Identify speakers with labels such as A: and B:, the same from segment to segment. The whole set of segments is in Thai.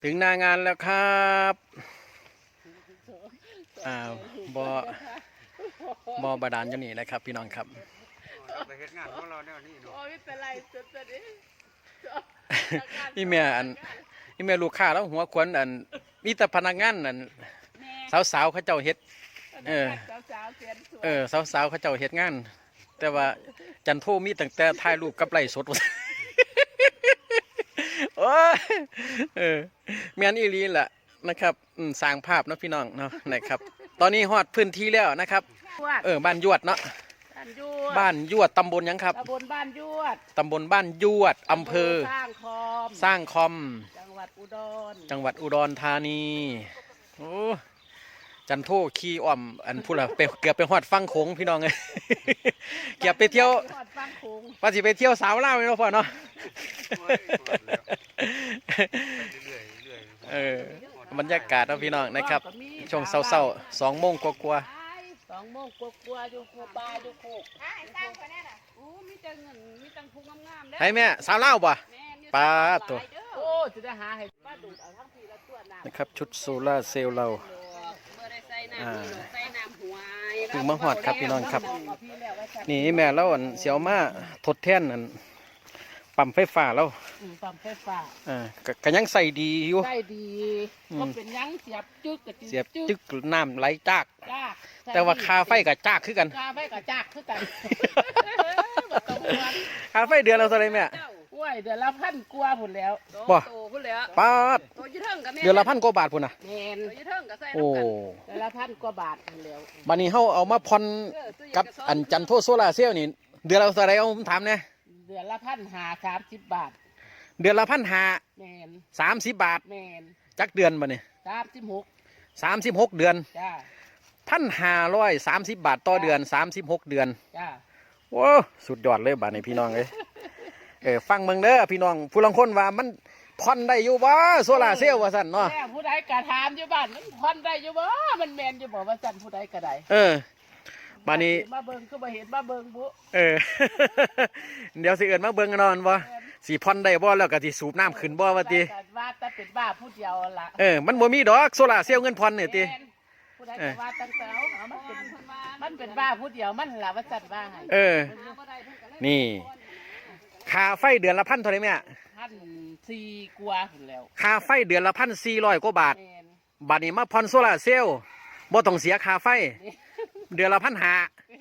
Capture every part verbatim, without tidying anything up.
A: ถึงหน้างานแล้วครับอ่าบอบอบาดาลอยู่นี่นะครับพี่น้องครับ
B: ไปเฮ็ดงานของเราเนี่ยนี่เนาะ
C: โอ้ยเป็นไรสุดๆดิ
A: นี่แม่อันนี่แม่ลูกค้าแล้วหัวควนอันมีแต่พนักงานอันสาวๆเขาเจ้าเฮ็ดเออ
C: สาวๆเสียนสวย
A: เออสาวๆเขาเจ้าเฮ็ดงาน แต่ว่าจันโทมีตั้งแต่ถ่ายรูปกับไลฟ์สด โอ้ยเออแม่นอีหลีล่ะนะครับอืมสร้างภาพเนาะพี่น้องเนาะนะครับ ตอนนี้ฮอดพื้นที่แล้วนะครับเออบ้านยวดเนาะ
C: บ้านยวด
A: บ้านยวดตำบลหยังครับ
C: ตำบลบ้านยวด
A: ตำบลบ้านยวดอำเภอ
C: สร้างคอม
A: สร้างคอม
C: จังหวัดอุดร
A: จังหวัดอุดรธานีโอ้จันโทขี่อ้อมอันพูดละไปเกือบไปฮอดฟังโขงพี่น้องเลย เกือบไปเที่ยว
C: ทอดฟังโขง
A: ว่าสิไปเที่ยวสาวเล่าวเนาะพ่อเนาะ
B: เรื่อยๆเรื่อย
A: เออบรรยากาศเนาะพี่น้องนะครับช่วงเศร้าๆสองโมงกว่า
C: สองโมงกลัวๆอยู่โคบาอยู่โคกโอ้มีแต่เงินมีตังพุงงามๆ
A: ๆ
C: เด้อ
A: ให้แม่สาวเล่าวป่ะ
C: แม่นอยู่
A: ปลาตัว
C: โอ้จะได้หาให้ป้าดูดเอาทั้งทีละตัวน้ำ
A: นะครับชุดโซล่าร์เซลล์เรา
C: เมื่อได้ใส่น้ำ
A: อ่า
C: นี่ใส่น้ำหวย
A: ถึงมาฮอดครับพี่น้องครับ
C: เอาพี่แล้วว่าจะ
A: นี่แม่เราอันเสียวมาทดแทนอันปั๊มไฟฟ้าแล้ว
C: อืมปั๊มไฟฟ้า
A: อ่าก็ก็ยังใส่ดีอยู่
C: ได้ดี
A: อืม
C: ก็เป็นหยังเสียบจึกกับ
A: เสียบจึกน้ำไหลจาก
C: จ้าก
A: แต่ว่าคาไฟกับจากคือกัน
C: คาไฟกับจากคือกันบ่ต้องห่วง
A: คาไฟเดือนเราเท่าไรแม่
C: โอ้ยเดือนละพันกว่าพุ่นแล้ว
A: บ่
D: โตพุ่นแล้ว
A: ป้าด
D: โตอยืดเทิงกับแม่
A: เดือนละพันกว่าบาทพุ่นน่ะ
C: แม่น
D: โตอยืดเทิงกับใส่
A: โอ้
D: น้ำกัน
C: เดือนละพันกว่าบาทพุ่นแล้ว
A: บัดนี้เฮาเอามาผ่อน
D: เออตู้เย็
A: กับ
D: สง
A: อันจันโทโซล่าร์เซลล์นี่เดือนละเท่าไรเอาผมถามเนี่ย
C: เดือนละพันหาสามสิบบาท
A: เดือนละพันห้า
C: แม่น
A: สามสิบบาท
C: แม่น
A: จักเดือนบัดนี้
C: สามสิบหก
A: สามสิบหกเดือน
C: จ้า
A: พันห้าร้อยสามสิบบาทต่อเดือนสามสิบหกเดือน
C: จ้า
A: โอ้สุดยอดเลยบาดนี้พี่น้องเอ้ยเออฟังเมืองเด้อพี่น้องผู้ลังคนว่ามันผ่อนได้อยู่บ่โซล่าร์เซลล์ว่าซั่นเนาะ
C: แม่ผู้ใดกระถามอยู่บ้านมันพอนได้อยู่บ่มันแมนอยู่บ่ว่าจันผู้ใดก็ได้
A: เออ บาดนี้
C: มาเบิ่งก็บ่เห็นมาเบิ่งบุ
A: เออ เดี๋ยวสิเอิ้นมาเบิ่งกันนอนบ่สิผ่อนได้บ่แล้วก็สิสูบน้ำขึ้นบ่ว่าติ
C: ว่าแต่เป็นบ้าผู้เดียวล่ะ
A: เออมันบ่มีดอกโซล่าร์เซลล์เงินผ่อนนี่ติ
C: แม่นผู้ใดก็ว่าตั้งแต่เอาเอามันเป็นมันเป็นบ้าผู้เดียวมันล่ะว่าจันว่าให้
A: เออ นี่ ค่าไฟเดือนละพันเท่าไหร่แม่
C: พันสี่กว่าพุ่นแล้ว
A: ค่าไฟเดือนละพันสี่ร้อยกว่าบาท
C: แม่น
A: บัดนี้มาผ่อนโซล่าร์เซลล์บ่ต้องเสียค่าไฟ เดือนละพันห้า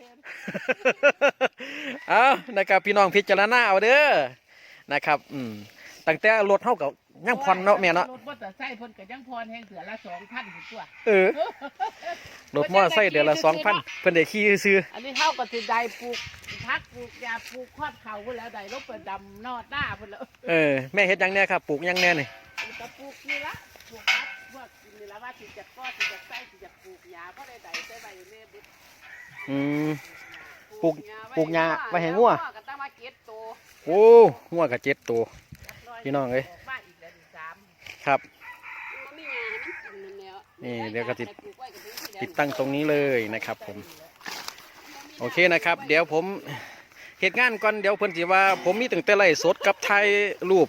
A: เอานะครับพี่น้องพิจารณาเอาเด้อนะครับอืมตั้งแต่รถเฮากับยังผ่อนเนาะแม่เนาะ
C: รถมอเตอร์ไซค์เพิ่นก็ยังพรแห่งเถือละสองพันพุ่นตัว
A: เออรถมอเตอร์ไซค์เดือนละสองพันเพิ่นได้ขี่ซื้อ
C: อันนี้เฮาก็สิได้ปลูกพักปลูกยาปลูกคอดเขาพุ่นแล้วได้ลบไปดำนอดหน้าพุ่นแล้ว
A: เออแม่เฮ็ดหยังแน่ครับปลูกหยังแน่นี่
C: ก็ปลูกนี่ละปลูกพักพวกนี่ละว่าสิจะก้อสิจะใส่สิจะปลูกยาเพราะได้ได้ใส่ใบเล่บึด
A: อืมปลูกปลูกหญ้าไว้ให้งัว
D: ก็ตั้งมาเก็ดโต
A: โอ้งัวก็เจ็ดตัว พี่น้องเอ้ย
C: บ้านอีกแล้วอีกสาม
A: ครับ
D: มันมีหญ้าให้มันกินนั่นแล้ว
A: นี่เดี๋ยวก็ติด
D: ให้ปลูไว้กับพื้นที่แดง
A: ติดตั้งตรงนี้เลยนะครับผมโอเคนะครับ เดี๋ยวผมเหตุงานก่อนเดี๋ยวเพิ่นสิว่า ผมมีตั้งแต่ไลฟ์สดกับถ่ายรูป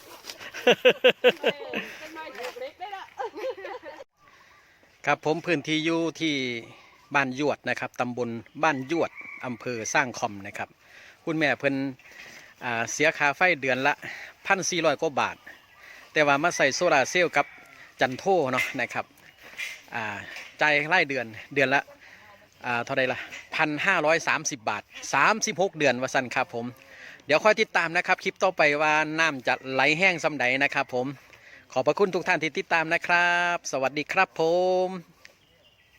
D: เป็นไม้ถูกเล็กได้ละ
A: ครับผมพื้นที่อยู่ที่บ้านยวดนะครับตำบลบ้านยวดอำเภอสร้างคอมนะครับคุณแม่เพิ่นอ่าเสียค่าไฟเดือนละพันสี่ร้อยกว่าบาท แต่ว่ามาใส่โซลาร์เซลล์กับจันโทเนาะนะครับอ่าจ่ายรายเดือนเดือนละอ่าเท่าไรล่ะพันห้าร้อยสามสิบบาทสามสิบหกเดือนว่าสั่นครับผมเดี๋ยวคอยติดตามนะครับคลิปต่อไปว่าน้ำจะไหลแห้งสำใดนะครับผมขอบพระคุณทุกท่านที่ติดตามนะครับ สวัสดีครับผม